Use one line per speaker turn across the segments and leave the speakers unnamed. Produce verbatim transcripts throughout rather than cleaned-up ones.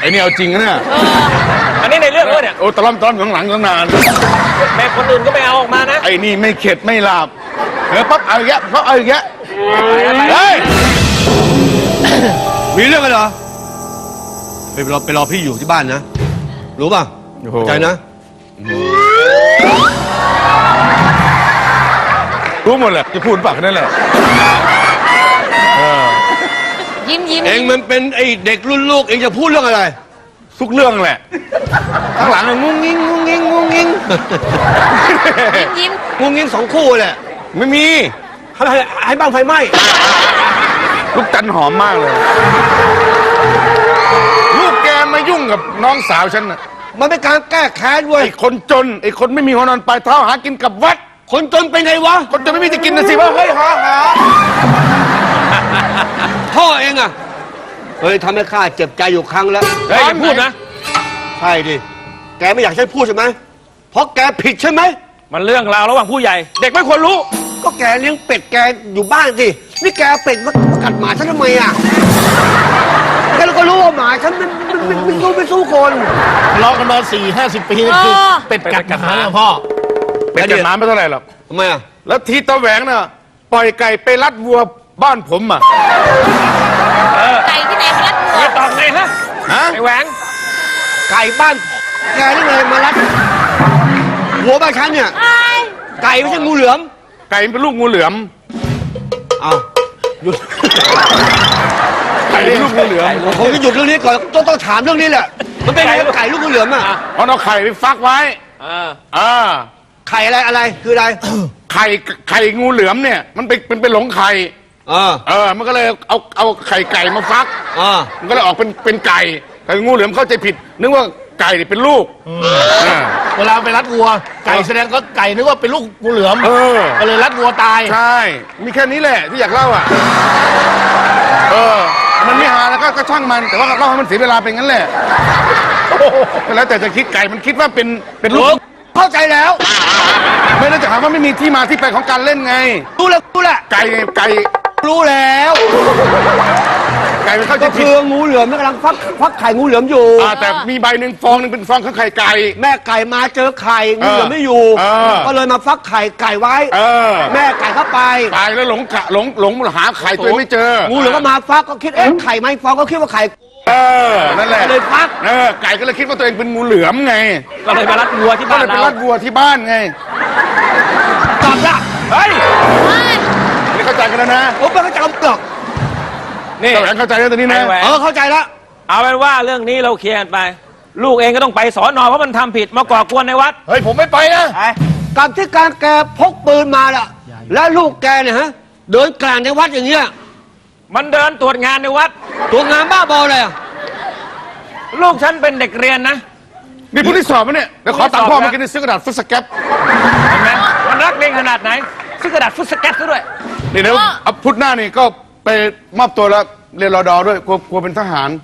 อ้นี่เอาจริงนะเนี่ย
อันนี้ในเรื่องด้วยเนี่ย
โอ้ตะล่อมตะล่อมข้างหลังตั้งนาน
แม่คนอื่นก็ไม่เอาออกมานะ
ไอ้นี่ไม่เข็ดไม่หลับเออปั๊บเอาอย่างเงี้ยปั๊บเอาอย่างเงี้ยเฮ้ย
มีเรื่องกันเหรอไปรอไปรอพี่อยู่ที่บ้านนะรู้ป่ะใจนะ
รู้หมดแหละจะพูดปากนั่นแหละ
ยิ้มยิ้ม
เองมันเป็นไอเด็กรุ่นลูกเองจะพูดเรื่องอะไร
ทุกเรื่องแหละข้างหลังงุ้งงิ้งงุ้งงิ้งงุ้งงิ้ง
ยิ้ม
งุ้งงิ้งสองคู่แหละ
ไม่มี
ให้ให้บ้างไฟไหม้
ลูกจันหอมมากเลยลูกแกมายุ่งกับน้องสาวฉันน่ะ
มันเป็นการแก้แค้นเว้ย
ไอ้คนจนไอ้คนไม่มีหัวนอนปลายเท้าหากินกับวัด
คนจนเป็นไงวะ
คนจนไม่มีจะกินนะสิว่าเฮ้ยหาหา
พ่อเองอะเฮ้ยทำให้ข้าเจ็บใจอยู่ครั้งแล้ว
เฮ้ยอย่าพูดนะ
ใช่ดิแกไม่อยากให้พูดใช่ไหมเพราะแกผิดใช่ไหม
มันเรื่องราวระหว่างผู้ใหญ่เด็กไม่ควรรู้
ก็แกเลี้ยงเป็ดแกอยู่บ้านสินี่แกเป็ดมากัดหมาฉันทำไมอะแกก็รู้ว่าหมาฉันมันมันมันมันสู้ไม่สู้คน
รอกันมาสี่ห้าสิบปีนี่คือเป็ดกัดหมาพ่อ
เป็ดกัดหมาไม่เท่าไหร่หรอก
ทำไมอะ
แล้วทีตะแหวงน่ะปล่อยไก่ไปรัดวัวบ้านผมอ่ะ
ไก่ที่ไหนมารัดวัว
ตอบไงฮะไอ้แหวง
ไก่บ้านแกนี่เลยมารัดหัวบ้านฉันเนี่ยไก่ไม่ใช่งูเหลือม
ไก่เป็นลูกงูเหลือม
เอาหยุด
ไก่เป็นลูกงูเหลือม
ผมจะหยุดเรื่องนี้ก่อนต้องต้องถามเรื่องนี้แหละมันเป็นไงไก่ลูกงูเหลือมอ่ะ
เพราะเอาไข่ไปฟักไว้อ่า
ไข่อะไรอะไรคืออะไร
ไข่ไข่งูเหลือมเนี่ยมันเป็นเป็นเป็นหลงไข่
เออ
เออมันก็เลยเอาเอาไข่ไก่มาฟัก
อ่า
มันก็เลยออกเป็นเป็นไก่แต่งูเหลือมเข้าใจผิดนึกว่าไก่เป็นลูก
เวลาไปรัดวัวไก่แสดงก็ไก่นึกว่าเป็นลูกงูเหลือมก็เลยรัดวัวตาย
ใช่มีแค่นี้แหละที่อยากเล่าอ่ะเออมันไม่หาแล้วก็ช่างมันแต่ว่าเล่าให้มันเสียเวลาเป็นงั้นแหละแล้วแต่จะคิดไก่มันคิดว่าเป็นเป็นลูก
เข้าใจแล้ว
ไม่ได้จะหาว่าไม่มีที่มาที่ไปของการเล่นไง
รู้แล้วรู้แล้ว
ไก่ไก่
รู้แล้ว
ไก่มันเข้าใจผิด
คืองูเหลือมกำลังฟักฟักไข่งูเหลือมอยู่
แต่มีใบหนึ่งฟองหนึ่งเป็นฟองของไข่ไก่
แม่ไก่มาเจอไข่งูเหลือมไม่อยู่ก็เลยมาฟักไข่ไก่ไว้แม่ไก่เข้าไป
ตายแล้วหลงกะหลงหลงหาไข่ตัวไม่เจอ
งูเหลือมก็มาฟักก็คิดเอ๊ะไข่ไม่ฟองก็คิดว่าไข่
เออนั่นแหละ
เลยฟัก
เออไก่ก็เลยคิดว่าตัวเองเป็นงูเหลือมไง
ก็เลยมารัดวัวที่บ้าน
เราก็เลยไปรัดวัวที่บ้านไง
ตอบละ
เฮ้ยไม่เข้าใจกันแล้วนะ
ผมไม่เข้าใจหรอก
นี่แหวนเข้าใจแล้วตอนนี้นะ
เออเข้าใจแล้ว
เอาเป็นว่าเรื่องนี้เราเคลียร์กันไปลูกเองก็ต้องไปสอนอเพราะมันทำผิดมาก่อกวนในวัด
เฮ้ยผมไม่ไปนะ
กับที่การแกพกปืนมาล่ะแล้วลูกแกเนี่ยฮะเดินกลางในวัดอย่างเงี้ย
มันเดินตรวจงานในวัด
ตรวจงานบ้าบอเลย
ลูกฉันเป็นเด็กเรียนนะ
นี่ผู้ที่สอบมั้ยเนี่ยเดี๋ยวขอตังค์พ่อมากินซื้อกระดาษฟุตสแกป
เห็นไหมมันรักเรียนขนาดไหนซื้อกระดาษฟุตสแกปซะด้วย
นี่เดี๋ยวเอาพุธหน้านี่ก็ไปมอบตัวแล้วเรียนรอดอด้วยกลัวกลัวเป็นทหาร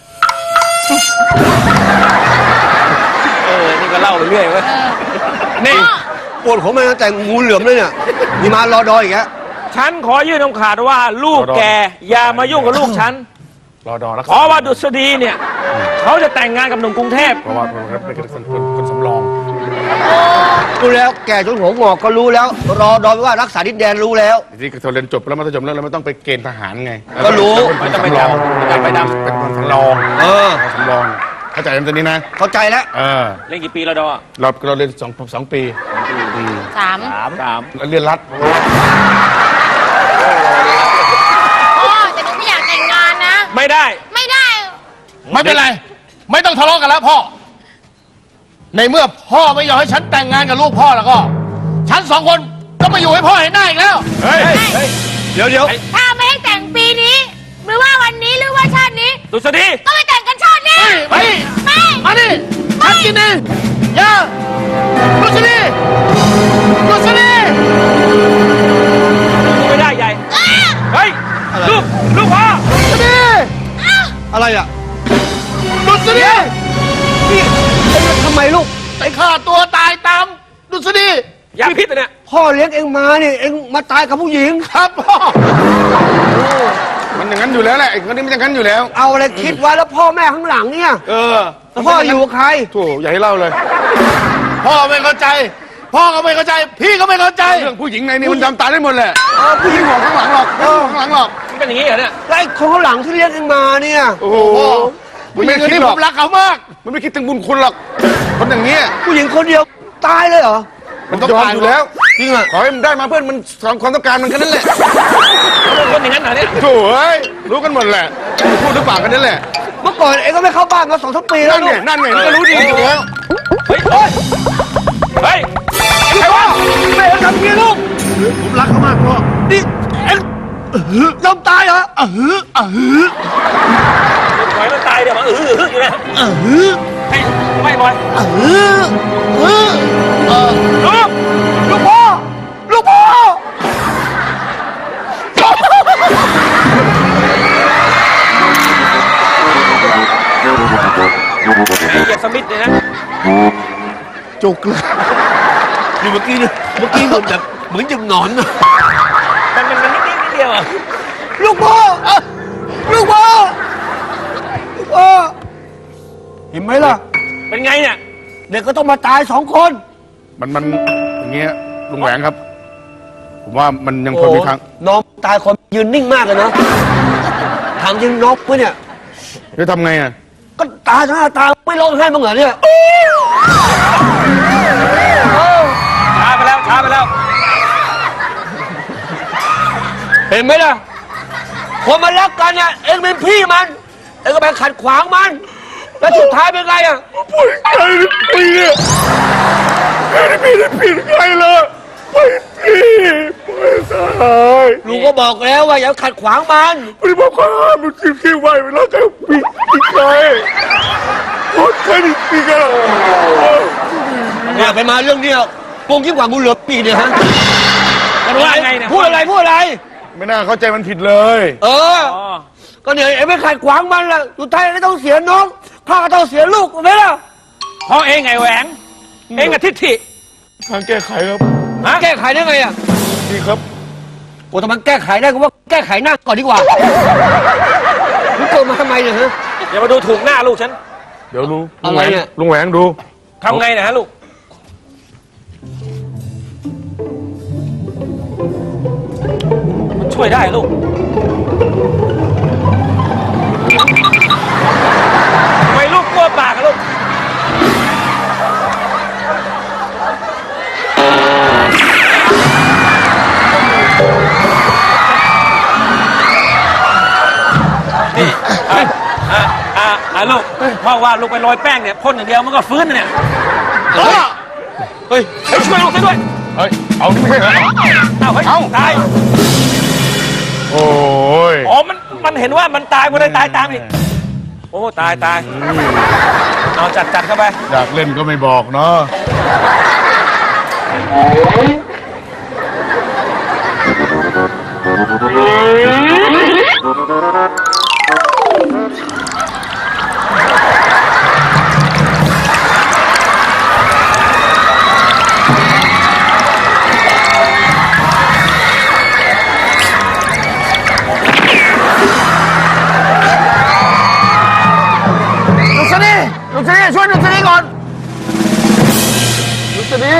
เออนี่ก็เล่าไปเรื่อยเว้ย
นี่ปวดหัวมาตั้งแต่งูเหลือมเลยเนี่ยมีมารอดออีกแล้ว
ฉันขอยื่นคำขาดว่าลูกแกอย่ามายุ่งกับลูกฉัน
รอดอแล้ว
เพราะว่าดุษฎีเนี่ยเขาจะแต่งงานกับหนุ่มกรุงเทพ
เพราะว่าเป็นคนคนสำรอง
รู้แล้วแกจนหัวงอกก็รู้แล้วรอดอว่ารักษาดินแดนรู้แล้ว
ที่เขาเรียนจบแล้วมัธยมแล้วเราไม่ต้องไปเกณฑ์ทหารไง
ก็รู้
ไม่ต้องไปดำไปดำเป็นคนสำรอง
เออ
สำรองเข้าใจตอนนี้นะ
เข้าใจแล้ว
เออ
เรียนกี่ปีแล้วดอ
เราเราเรียนสองสองปี
สาม
สาม
เรียนรัฐ
พ่อแต่หนูไม่อยากแต่งงานนะ
ไม่ได้
ไม่ได้
ไม่เป็นไรไม่ต้องทะเลาะกันแล้วพ่อในเมื่อพ่อไม่ยอมให้ฉันแต่งงานกับลูกพ่อแล้วก็ฉันสองคนก็มาอยู่ให้พ่อเห็นหน้าอีกแล้ว
เฮ้ยเดี๋ยวเดี๋ยว
ถ้าไม่ให้แต่งปีนี้หรือว่าวันนี้หรือว่าชาตินี้
ดุษฎี
ก็ไม่แต่งกันชาตินี้
ไม่ไม่มาดิฉันกินเองอย่าดุษฎีดุษฎี
ไม่ได้ใหญ่เฮ้ยลูกลูกพ่อ
ดุษฎี
อะไรอ่ะ
ดุษฎี
นี่ทำไมลูก
ไปฆ่าตัวตายตามดุษฎี
ยาพิษเนี่ย
พ่อเลี้ยงเองมาเนี่ยเองมาตายกับผู้หญิง
ครับพ่อ
มันอย่างนั้นงั้นอยู่แล้วแหละไอ้คนนี้มันจะงั้นอยู่แล้ว
เอาอะไรคิดไว้แล้วพ่อแม่ข้างหลังเนี่ย
เออ
แล้วพ่ออยู่กับใคร
โถ่อย่าให้เล่าเลย
พ่อไม่เข้าใจ พ่อก็ไม่เข้าใจ พี่ก็ไม่เข้าใจ
เรื่องผู้หญิงในนี้มันจำตาได้หมดแหละเออผู้หญิงห่วงข้างหลังหรอกไม่ห่วงข้างหลังหรอก
มันเป็นอย่างนี้เหรอเนี่ย
แล้วไอ้คนข้างหลังที่เรียกเองมาเนี่ย
โอ้โห
ผู้หญิงคนนี้ผมรักเขามาก
มันไม่คิดถึงบุญคุณหรอกคนอย่างเงี้ย
ผู้หญิงคนเดียวตายเลยเหรอ
มันต้องยอมอยู่แล้วจริงอ่ะขอให้มันได้มาเพื่อนมันสอนความต้องการมันแค่นั้นแหละ
เขาเป็นคนอย่างนั้นเหรอเนี่ย
โถ่เอ้ยรู้กันหมดแหละพูดหรือเปล่ากันนั่นแหละ
เมื่อก่อนเองก็ไม่เข้าบ้านมาสองสามปีแล้
นั่
วน ลู
ไง
ก
นั่นไงมันก็รู้ดีอยู่แล้ว
เฮ้ยเฮ้ยเฮ้ยใครวะ
แม่เองทำงี้ลูก
ผมรักเขามากพ่อ
นี่เอ็งยอมตายเหรอ
เออเออ
ปล่อยมันตายเดี๋ยวมาอื้ออื้ออยู่นะ
เออ
ให้ไม่บอย
เออเออเออ
ลูก
ลูกพ่อลูกพ่อ
ไอ้เหยียบสมิธเนี่ยนะ
จุกเลย
นี่เมื่อกี้เนี่ยเมื่อกี้เหมือนแบบเหมือนจะหนอนนะ
มันมันมันนิดนิดนิดเดียวอ่ะ
ลูกพ่อเอ้าลูกพ่อลูกพ่อเห็นไหมล่ะ
เป็นไงเนี่ย
เด็กก็ต้องมาตายสองคน
มันมันอย่างเงี้ยลุงแหวงครับ ผมว่ามันยังพอมีทาง
โอ้น้องตายคนยืนนิ่งมากเลยเนาะถามจริงน้องเพื่อนเนี่ย
จะทำไงอ่ะ
ก็ตายทั้งหน้าตาไม่ร้องไห้บ้างเหรอเนี่ย
ช้าไปแล้วช้าไปแล้ว
เห็นไหมล่ะคนมันรักกันเนี่ยเองเป็นพี่มันเองก็ไปขัดขวางมันแล้วสุดท้ายเป็นไงอ่ะ
พูดใจปีเนี่ยไม่ได้พี่ได้ผิดใครเลยไม่พี่ไม่ตาย
ลุงก็บอกแล้วว่าอย่าขัดขวางมัน
ไม่ได้บอกว่ามันคิดคิดไว้เวลาจะปีปีใครพูดแค่นี้ปีกัน
เนี่ยไปมาเรื่องเนี้ยโกงยิ่งกว่างูเหลือมปีเนี่ยฮะ
มันว่าไงเนี่ย
พูดอะไรพูดอะไร
ไม่น่าเข้าใจมันผิดเลย
เออ
อ๋อ
ก็เนี่ยเองไม่ขัดขวางมันล่ะสุดท้ายก็ต้องเสียน้องข้าก็ต้องเสียลูกถูกไหมล่ะ
เพราะเองไงแหวง เองกับทิฏฐิ
ทางแก้ไขครับ
ฮะ
แก้ไขได้ไงอ่ะ
นี่ครับ
โอ้แต่มันแก้ไขได้ก็ว่าแก้ไขหน้าก่อนดีกว่ามึงเกิดมาทำไมเนี่ยฮะ
อย่ามาดูถูกหน้าลูกฉัน
เดี๋ยวรู้
อะไรเนี่ย
ลุงแหวงดู
ทำไงนะฮะลูก มันช่วยได้ลูกทำไมลูกกลัวปากอะลูก นี่อ่ะอ่ะอ่ะอ่ะลูกพ่อว่าลูกไปโรยแป้งเนี่ยพ่นอย่างเดียวมันก็ฟื้นนะเนี่ย
เฮ้ย
เฮ้ยช่วยลูกซะด้วย
เฮ้ย เอานี่ไม่ใช่เหรอ
เอาเฮ้ยตาย
โอ้ย
อ๋อ มัน มันเห็นว่ามันตายมันเลยตายตามอีก โอ้ ตายตาย เอาจัดจัดเข้าไป
อยากเล่นก็ไม่บอกเนาะ
ลุงสนีลุงสนีช่วยลุงสนีก่อนลุงสนี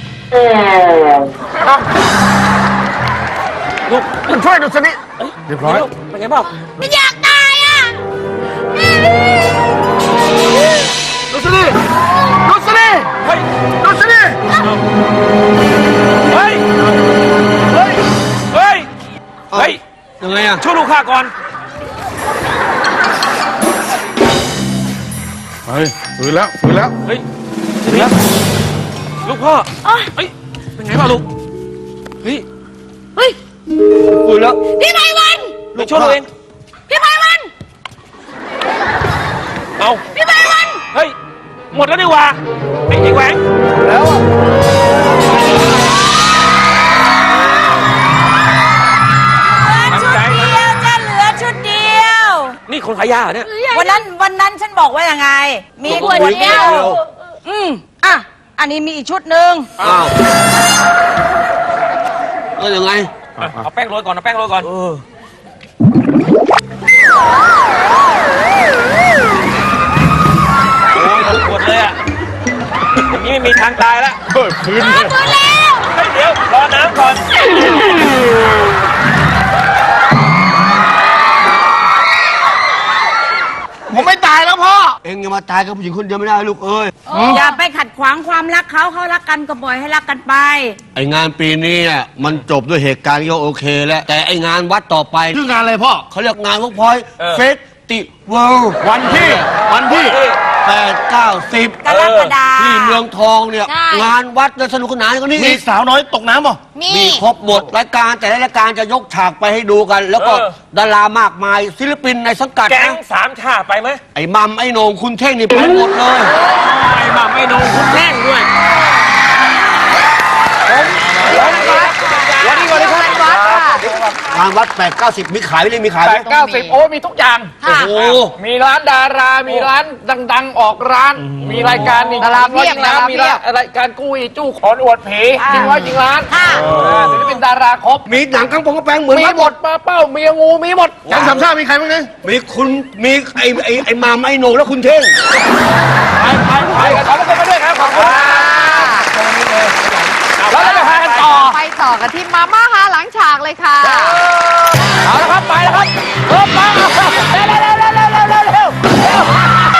ลูก
ลุงช่วยลุงสนี
เรียบร้อย
ลูกเป็นไงบ้าง
ไม่อยากตายอ่ะ
ลุงสนีลุงสนี
เฮ้ย
ลุงสนี
เฮ้ย เฮ้ย เฮ้ย เฮ้ย
ยังไงอ่ะ
ช่วยลูกข้าก่อน
เฮ้ยฝืนแล้วฝืนแล้ว
เฮ้ยเดี๋ยวลูกพ่อ
โอ๊ย
เฮ้ย เป็นไงบ้างลูก เฮ้ย
เฮ้ย
ฟื้นแล้ว
พี่ไพวัน
ลูกช่วยเราเอง
พี่ไพวัน
เอา
พี่ไพวัน
เฮ้ย หมดแล้วนี่หว่าไอ้ไอ้แหวง
แล้วอ่ะ
ชุดเดียวจะเหลือชุดเดียว
นี่คนขายยาเหรอเนี่ย
วันนั้นวันนั้นฉันบอกว่ายังไง มีขวดเดียว อืมอ่ะ อันนี้มีอีกชุดหนึ่ง
อ้าวแล้วยังไง
เอาแป้งโรยก่อนเอาแป้งโรยก่อน
เออ
โอ้ยปวดเลยอ่ะอย่างนี้ไม่มีทางตายแล้ว
เฮ้ยพื้น
ฟื้นแล้ว
เฮ้ยเดี๋ยวรอน้ำก่อน
ผมไม่ตายแล้วพ่อ
เอ็งอย่ามาตายกับผู้หญิงคนเดียวไม่ได้ลูกเอ้ย
อย่าไปขัดขวางความรักเขาเขารักกันก็ปล่อยให้รักกันไป
ไองานปีนี้อ่ะมันจบด้วยเหตุการณ์ที่โอเคแล้วแต่ไองานวัดต่อไป
ชื่องานอะไรพ่อ
เขาเรียกงานพวกพอย
เออ
เฟสติวัล
วันที่ วันที่
แปดเก้าสิบ
กรกฎาคม
ที่เมืองทองเนี่ย งานวัดจะสนุกสนานกว่านี้
มี
อีก
สาวน้อยตกน้ำป่ะ
มี
มีครบหมดรายการแต่ละรายการจะยกฉากไปให้ดูกัน แล้วก็
เออ
ดารามากมายศิลปินในสังกัด
แก๊ง
นะ
สามชาไปไหม
ไอ้มัมไอ้โหนงคุณเท่งนี่ไปหมดเลย
ไม่มาไม่นงคุณแน่งด้วย
วันนี้วันนี้ครับ
งานวัดแปดเก้าสิบมีขายไหมมีขายไหม
แปดเก้าสิบโอ้มีทุกอย่าง
โอ้โห
มีร้านดารา มีร้านดัง ๆ ออกร้าน มีรายการนี่
ดารา
จริง
เพียบ
ร้อยจริงร้านมี
ดาราเพียบ
รายการกู้อีจู้ขอนอวดผีจริงร้อยจริงร้าน
ค่ะ
อ่าศิลปินดาราครบ
มีหนังกางปงกระแปงเหมือน
มี
วัด
หมดปลาเป้ามีงูมีหมด
แก๊งสามชาติมีใครบ้างเนี่ย
มีคุณมีไอ้ไอ้ไอ้มัมไอ้โหนงและคุณเท่ง
ไปไปไปกันขอบคุณมาด้วยครับขอบคุณแล้วเราจะพากันต่อ
ไปต่อกันที่มาม่าฮาหลังฉากเลยค่ะ
เอาละครับไปแล้วครับเริ่มมาเร็วเร็วเร็วเร็วเร็วเร็วเร็วเร็ว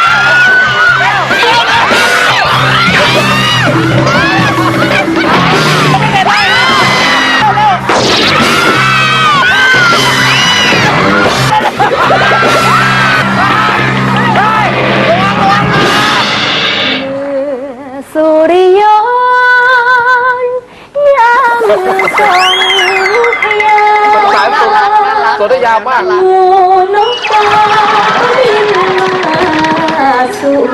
สุริยนต์ยามทรงพยา
สายสุดตัวได้ยาวมาก
หมู่นกกาบินมาสู่